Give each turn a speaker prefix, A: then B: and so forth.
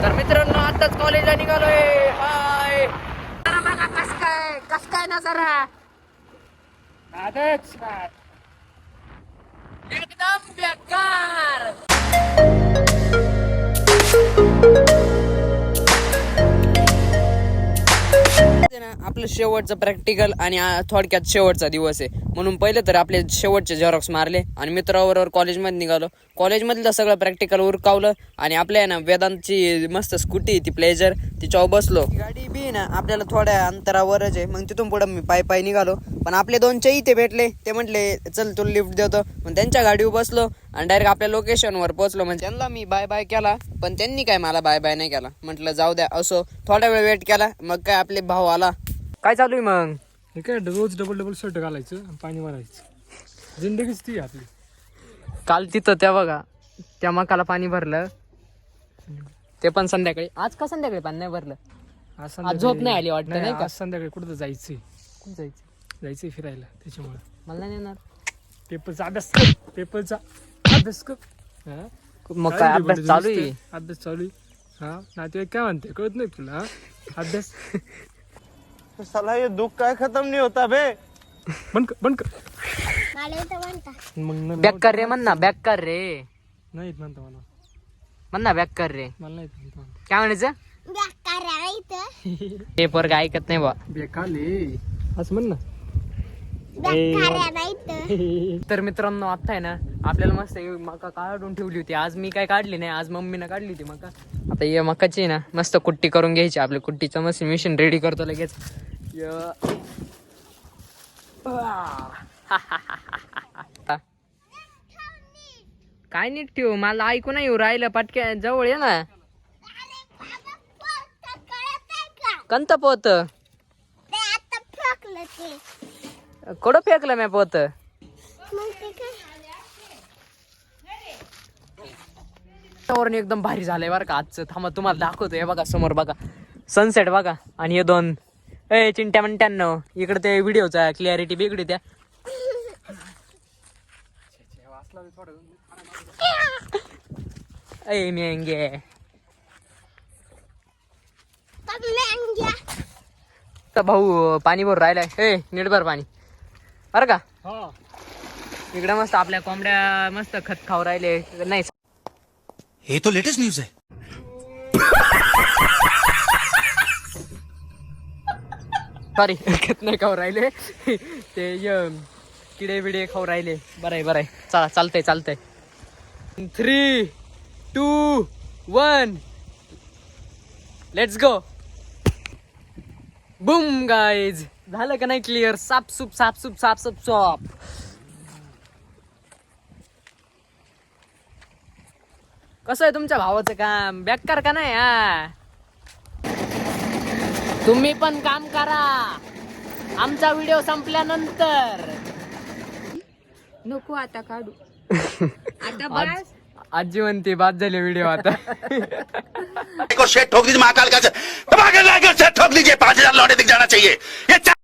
A: तर मित्रांनो आताच कॉलेजला निघालोय. हाय जरा बघा कस काय ना जरा आजच एकदम बेकार. आपलं शेवटचं प्रॅक्टिकल आणि थोडक्यात शेवटचा दिवस आहे म्हणून पहिले तर आपले शेवटचे झेरॉक्स मारले आणि मित्राबरोबर कॉलेजमध्ये निघालो. कॉलेजमधलं सगळं प्रॅक्टिकल उरकावलं आणि आपल्या ना वेदांतची मस्त स्कूटी ती प्लेजर तिच्यावर बसलो. गाडी बी ना आपल्याला थोड्या अंतरावरच आहे. मग तिथून पुढे मी पायी निघालो. पण आपले दोन इथे भेटले. ते म्हटले चल तुला लिफ्ट देतो. मग त्यांच्या गाडीवर बसलो आणि डायरेक्ट आपल्या लोकेशनवर पोहोचलो. म्हणजे त्यांना मी बाय बाय केला पण त्यांनी काय मला बाय बाय नाही केला. म्हटलं जाऊ द्या असो. थोडा वेळ वेट केला. मग काय आपले भाऊ आला. काय चालू आहे मग?
B: हे काय रोज डबल शर्ट घालायचं आणि पाणी मारायचं. जिंदगीच ती आपली.
A: काल तिथं त्या बघा त्या मकाला पाणी भरलं ते पण संध्याकाळी. आज का संध्याकाळी पाणी नाही भरलं? आज झोप नाही आली वाटतं नाही का?
B: संध्याकाळी कुठं जायचंय?
A: कुठं
B: जायचंय फिरायला. त्याच्यामुळे
A: मला नाही येणार.
B: पेपरचा अभ्यास कर. पेपरचा अभ्यास कर. हा
A: मग काय अभ्यास चालू आहे?
B: अभ्यास चालू आहे. हा नातेवाईक काय म्हणते कळत नाही तुला? अभ्यास
C: साला ये दुख काय खत्म नहीं होता बे.
B: बंद कर
A: मग बॅक कर रे म्हण ना. बॅक कर रे
B: नाही म्हणता मला.
A: म्हण ना बॅक कर रे.
B: मला नाही म्हणता.
A: काय म्हणायचं? पेपर काय ऐकत नाही बा.
B: बेकाले असं म्हण ना.
A: तर मित्रांनो आता आहे ना आपल्याला मस्त मका काढून ठेवली होती. आज मी काय काढली नाही. आज मम्मीनं काढली होती मका. आता ये मकाची ना मस्त कुट्टी करून घ्यायची. आपली कुट्टीचं मस्त मिशन रेडी करतो लगेच. काय नीट ठेवू? मला ऐकू नाही येऊ राहिलं. पटक्या जवळ ये ना. कंत पोत कडं फेकलं मी पोत. वातावरण एकदम भारी झालंय बरं का आजचं. थांबा तुम्हाला दाखवतो. हे बघा समोर बघा सनसेट बघा. आणि हे दोन चिंट्या म्हणत्यांनो इकडे ते व्हिडिओचा क्लिअरिटी बिघडी त्या. मेंगे भाऊ पाणी भरून राहिलाय. नीट भर पाणी बरं का. इकडे मस्त आपल्या कोंबड्या मस्त खत खाऊ राहिले. नाही
D: ये तो लेटेस्ट न्यूज है.
A: सॉरी खत नाही खाऊ राहिले. ते किडे बिडे खाऊ राहिले. बरं आहे चला चालतंय. 3, 2, 1 लेट्स गो. Boom guys. झालं का नाही क्लिअर? सापसूप. कसं आहे तुमच्या भावाचं काम? बेकार का नाही? तुम्ही पण काम करा आमचा व्हिडिओ संपल्यानंतर.
E: नको आता काढू. आता बस.
A: आजी म्हणते बाद झाले व्हिडिओ आता.
D: शेट ठोक दीजिए महाकाल का. ठोक दीजिए. 5,000 लौटे दिख जाना चाहिए. ये